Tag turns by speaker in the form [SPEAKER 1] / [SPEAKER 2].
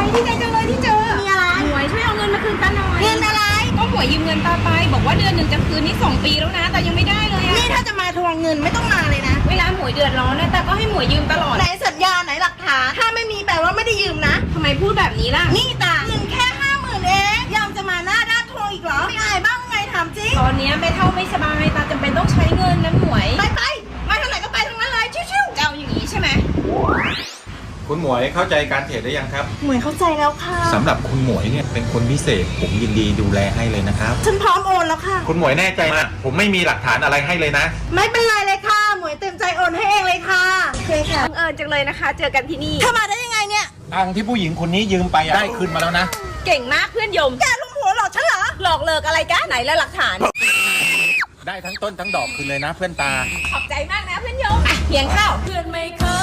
[SPEAKER 1] ดีใจจังเลยที่เจอมีอะไรหมวยช่วยเอาเงินมาคืนตาหน่อยเงินอะไรก็หมวยยืมเงินตาไปบอกว่าเดือนหนึ่งจะคืนนี่2 ปีแล้วนะแต่ยังไม่ได้เลยอะนี่ถ้าจะมาทวงเงินไม่ต้องมาเลยนะเวลาหมวยเดือดร้อนนะแต่ก็ให้หมวยยืมตลอดไหนสัญญาไหนหลักฐานถ้าไม่มีแปลว่าไม่ได้ยืมนะทำไมพูดแบบนี้ล่ะนี่ตาเงินแค่50,000เองยังจะมาหน้าด้านทวงอีกเหรอไม่อายบ้างไงถามจริงตอนนี้แม่เท่าไม่สบายตาจำเป็นต้องใช้เงินนะหมวยไปมาทางไหนก็ไปทางนั้นเลยชิวๆจะเอาอย่างนี้ใช่ไหม
[SPEAKER 2] คุณหมวยเข้าใจการเทรดได้ยังครับ
[SPEAKER 1] หมวยเข้าใจแล้วค่ะ
[SPEAKER 2] สำหรับคุณหมวยเนี่ยเป็นคนพิเศษผมยินดีดูแลให้เลยนะครับ
[SPEAKER 1] ฉันพร้อมโอนแล้วค่ะ
[SPEAKER 2] คุณหมวยแน่ใจนะผมไม่มีหลักฐานอะไรให้เลยนะ
[SPEAKER 1] ไม่เป็นไรเลยค่ะหมวยเต็มใจโอนให้เองเลยค่ะโอเคค่ะบังเอิญจังเลยนะคะเจอกันที่นี่เข้ามาได้ยังไงเนี่ย
[SPEAKER 2] ตังที่ผู้หญิงคนนี้ยืมไปได้คืนมาแล้วนะ
[SPEAKER 1] เก่งมากเพื่อนยมแกลุมหัวหลอกฉันเหรอหลอกเลิกอะไรกันไหนแล้วหลักฐาน
[SPEAKER 2] ได้ทั้งต้นทั้งดอกคืนเลยนะเพื่อนตา
[SPEAKER 1] ขอบใจมากนะเพื่อนยมเพียงข้าวเพื่อนไม่เค